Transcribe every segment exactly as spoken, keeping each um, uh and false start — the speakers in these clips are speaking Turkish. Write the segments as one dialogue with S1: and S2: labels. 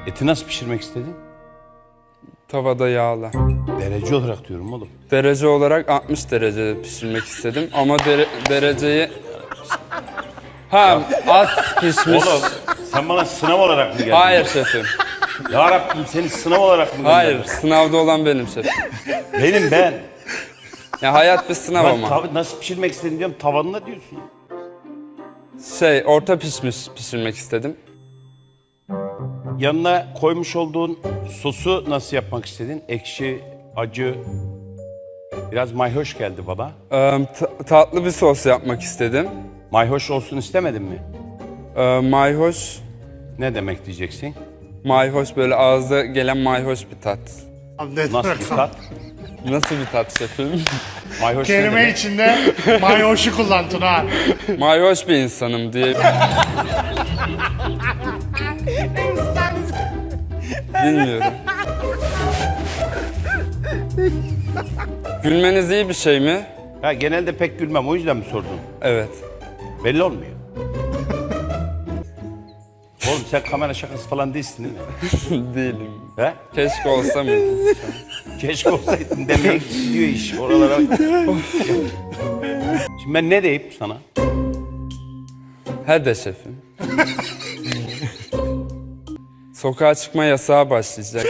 S1: Eti nasıl pişirmek istedin?
S2: Tavada yağla.
S1: Derece olarak diyorum oğlum.
S2: Derece olarak altmış derecede pişirmek istedim ama dere- dereceyi... Ha, az pişmiş.
S1: Oğlum sen bana sınav olarak mı geldin?
S2: Hayır şefim.
S1: Ya Rabbim seni sınav olarak mı gönderdin?
S2: Hayır, sınavda olan benim şefim.
S1: Benim ben.
S2: Ya hayat bir sınav
S1: Ben
S2: ama.
S1: tav- nasıl pişirmek istedin diyorum tavanına diyorsun.
S2: Şey, orta pişmiş pişirmek istedim.
S1: Yanına koymuş olduğun sosu nasıl yapmak istedin? Ekşi, acı, biraz mayhoş geldi bana.
S2: Ee, ta- tatlı bir sos yapmak istedim.
S1: Mayhoş olsun istemedin mi?
S2: Ee, mayhoş,
S1: Ne demek diyeceksin?
S2: mayhoş böyle ağızda gelen mayhoş bir tat.
S3: Abi ne
S1: Nasıl
S3: demek
S1: bir
S3: o?
S1: tat?
S2: Nasıl bir tat şefim?
S1: Mayhoş ne
S3: Kelime
S1: demek?
S3: içinde mayoşu kullan Tuna.
S2: Mayhoş bir insanım diye. Bilmiyorum. Gülmeniz iyi bir şey mi?
S1: Ha, genelde pek gülmem o yüzden mi sordun?
S2: Evet.
S1: Belli olmuyor. Oğlum sen kamera şakası falan değilsin değil mi?
S2: Değilim.
S1: He?
S2: Keşke olsa mıydı?
S1: Keşke olsaydın demeye gidiyor iş oralara. Şimdi ben ne deyip sana?
S2: Hadi şefim. Sokağa çıkma yasağı başlayacak.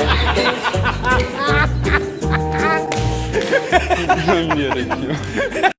S2: Bilmem gerekiyor.